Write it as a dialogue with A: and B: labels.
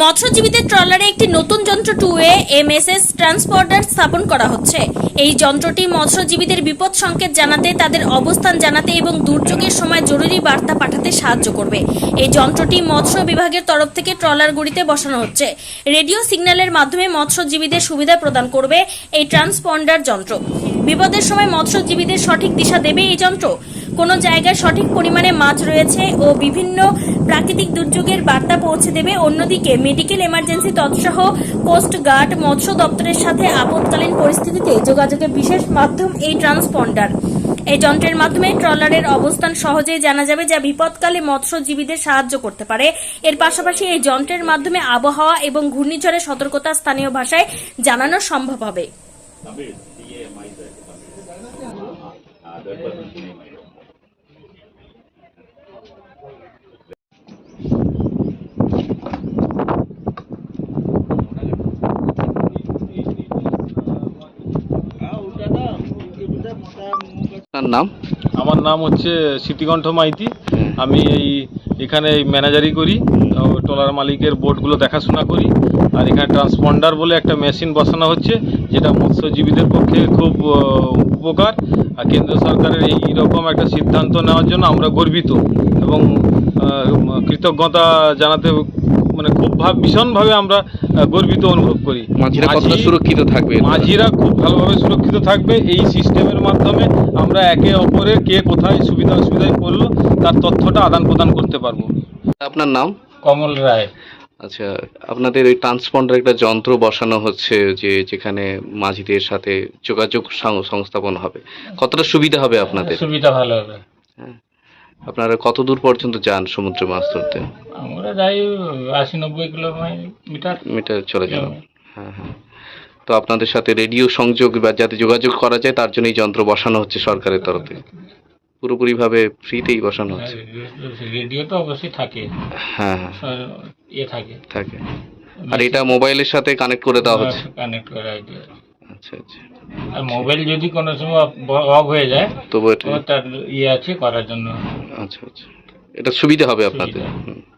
A: মৎস্যজীবীদের ট্রলারে একটি নতুন যন্ত্র 2A MSS ট্রান্সপন্ডার স্থাপন করা হচ্ছে। এই যন্ত্রটি মৎস্যজীবীদের বিপদ সংকেত জানাতে, তাদের অবস্থান জানাতে এবং দুর্যোগের সময় জরুরি বার্তা পাঠাতে সাহায্য করবে। এই যন্ত্রটি মৎস্য বিভাগের তরফ থেকে ট্রলারগুলিতে বসানো হচ্ছে। রেডিও সিগন্যালের মাধ্যমে মৎস্যজীবীদের সুবিধা প্রদান করবে এই ট্রান্সপন্ডার যন্ত্র। বিপদের সময় মৎস্যজীবীদের সঠিক দিশা দেবে এই যন্ত্র। কোনো জায়গায় সঠিক পরিমাণে মাছ রয়েছে ও বিভিন্ন প্রাকৃতিক দুর্যোগের বার্তা পৌঁছে দেবে। অন্যদিকে মেডিকেল এমার্জেন্সি তৎসহ কোস্ট গার্ড, মৎস্য দপ্তরের সাথে আপৎকালীন পরিস্থিতিতে যোগাযোগের বিশেষ মাধ্যম এই ট্রান্সপন্ডার। এই যন্ত্রের মাধ্যমে ট্রলারের অবস্থান সহজেই জানা যাবে, যা বিপদকালে মৎস্যজীবীদের সাহায্য করতে পারে। এর পাশাপাশি এই যন্ত্রের মাধ্যমে আবহাওয়া এবং ঘূর্ণিঝড়ের সতর্কতা স্থানীয় ভাষায় জানানো সম্ভব হবে।
B: নাম?
C: আমার নাম হচ্ছে স্মৃতিকণ্ঠ মাইতি। আমি এখানে ম্যানেজারি করি, ট্রলার মালিকের বোটগুলো দেখাশোনা করি। আর এখানে ট্রান্সপন্ডার বলে একটা মেশিন বসানো হচ্ছে, যেটা মৎস্যজীবীদের পক্ষে খুব উপকার। আর কেন্দ্র সরকারের এই রকম একটা সিদ্ধান্ত নেওয়ার জন্য আমরা গর্বিত এবং কৃতজ্ঞতা জানাতে খুব ভীষণভাবে আমরা গর্বিত অনুভব করি।
B: মাঝিরা কতটা সুরক্ষিত থাকবে?
C: মাঝিরা খুব ভালোভাবে সুরক্ষিত থাকবে। এই সিস্টেমের মাধ্যমে আমরা একে অপরের কে কোথায় অসুবিধায় পড়লো তার তথ্যটা আদান প্রদান করতে পারবো।
B: আপনার নাম?
C: কমল রায়।
B: আচ্ছা, আপনাদের এই ট্রান্সপন্ডার একটা যন্ত্র বসানো হচ্ছে, যেখানে মাঝিদের সাথে যোগাযোগ সংস্থাপন হবে, কতটা সুবিধা হবে আপনাদের?
C: সুবিধা ভালো হবে।
B: হ্যাঁ, আপনারা কত দূর পর্যন্ত যান সমুদ্রে মাছ ধরতে?
C: আমরা যাই 80-90 কিলোমিটার
B: চলে যান। হ্যাঁ হ্যাঁ। তো আপনাদের সাথে রেডিও সংযোগ বা যাতে যোগাযোগ করা যায় তার জন্য এই যন্ত্র বসানো হচ্ছে সরকারের তরফে, পুরোপুরিভাবে ফ্রিতেই বসানো হচ্ছে।
C: রেডিও তো অবশ্যই থাকে।
B: হ্যাঁ হ্যাঁ,
C: থাকে।
B: আর এটা মোবাইলের সাথে কানেক্ট করে দেওয়া হচ্ছে?
C: কানেক্ট করা আছে।
B: আচ্ছা আচ্ছা।
C: আর মোবাইল যদি কোনো সময় অফ হয়ে যায়
B: তবু
C: তার আছে করার জন্য।
B: আচ্ছা আচ্ছা, এটা সুবিধা হবে আপনাদের।